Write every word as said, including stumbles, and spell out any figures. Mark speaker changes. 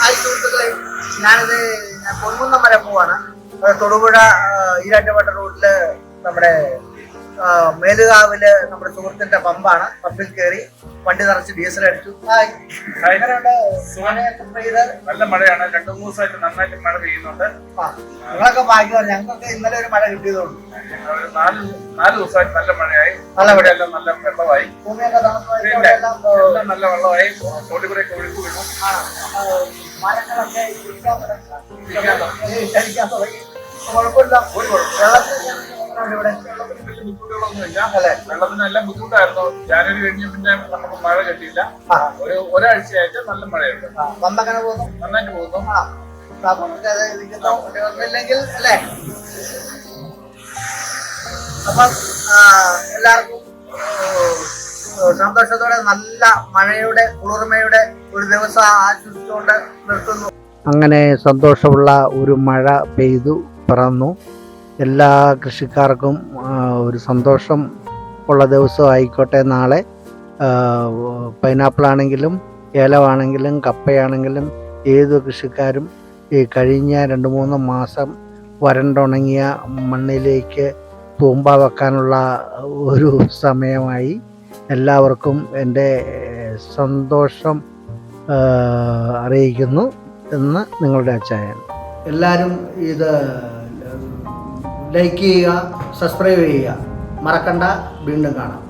Speaker 1: Hi സുഹൃത്തുക്കളെ, ഞാനിത് ഞാൻ പൊൻകുന്നം വരെ പോവാണ്. തൊടുപുഴ ഈരാറ്റുപേട്ട റൂട്ടില് നമ്മുടെ മേലുകാവില് നമ്മുടെ സുഹൃത്തിന്റെ പമ്പാണ്. പമ്പിൽ കയറി വണ്ടി നിറച്ച് ഡീസൽ അടിച്ചു.
Speaker 2: നല്ല മഴയാണ്. രണ്ടു മൂന്ന് ദിവസമായിട്ട് നന്നായിട്ട് മഴ പെയ്യുന്നുണ്ട്.
Speaker 1: നിങ്ങളൊക്കെ ഭാഗ്യമാണ്. ഞങ്ങൾക്ക് ഇന്നലെ ഒരു മഴ കിട്ടിയതുകൊണ്ട്
Speaker 2: നാല് നാല് ദിവസമായിട്ട് നല്ല മഴയായി. നല്ല മഴയെല്ലാം നല്ല വെള്ളമായി. എല്ലാം നല്ല വെള്ളമായി. തോട്ടി കൂടെ ഒഴുക്ക് വീണു.
Speaker 1: മരങ്ങളൊക്കെ കുഴപ്പമില്ല. ഒരു
Speaker 2: വെള്ളത്തിന് നല്ല ബുദ്ധിമുട്ടായിരുന്നു. ജാനുവരി കഴിഞ്ഞ പിന്നെ നമുക്ക് മഴ കിട്ടിയില്ല. ഒരു ഒരാഴ്ചയായിട്ട് നല്ല മഴയുണ്ട്.
Speaker 1: പമ്പങ്ങനെ പോകുന്നു,
Speaker 2: നന്നായിട്ട് പോകുന്നു.
Speaker 1: ഒന്നില്ലെങ്കിൽ അല്ലേ? അപ്പം എല്ലാവർക്കും സന്തോഷത്തോടെ നല്ല മഴയുടെ കുളിർമയുടെ ഒരു ദിവസം ആശംസിച്ചുകൊണ്ട് നിർത്തുന്നു.
Speaker 3: അങ്ങനെ സന്തോഷമുള്ള ഒരു മഴ പെയ്തു പിറന്നു. എല്ലാ കൃഷിക്കാർക്കും ഒരു സന്തോഷം ഉള്ള ദിവസം ആയിക്കോട്ടെ നാളെ. പൈനാപ്പിളാണെങ്കിലും ഏലമാണെങ്കിലും കപ്പയാണെങ്കിലും ഏത് കൃഷിക്കാരും ഈ കഴിഞ്ഞ രണ്ട് മൂന്ന് മാസം വരണ്ടുണങ്ങിയ മണ്ണിലേക്ക് തൂമ്പ വെക്കാനുള്ള ഒരു സമയമായി. എല്ലാവർക്കും എൻ്റെ സന്തോഷം അറിയിക്കുന്നു എന്ന് നിങ്ങളുടെ അച്ചായൻ. എല്ലാവരും ഇത് ലൈക്ക് ചെയ്യുക, സബ്സ്ക്രൈബ് ചെയ്യുക, മറക്കണ്ട. വീണ്ടും കാണാം.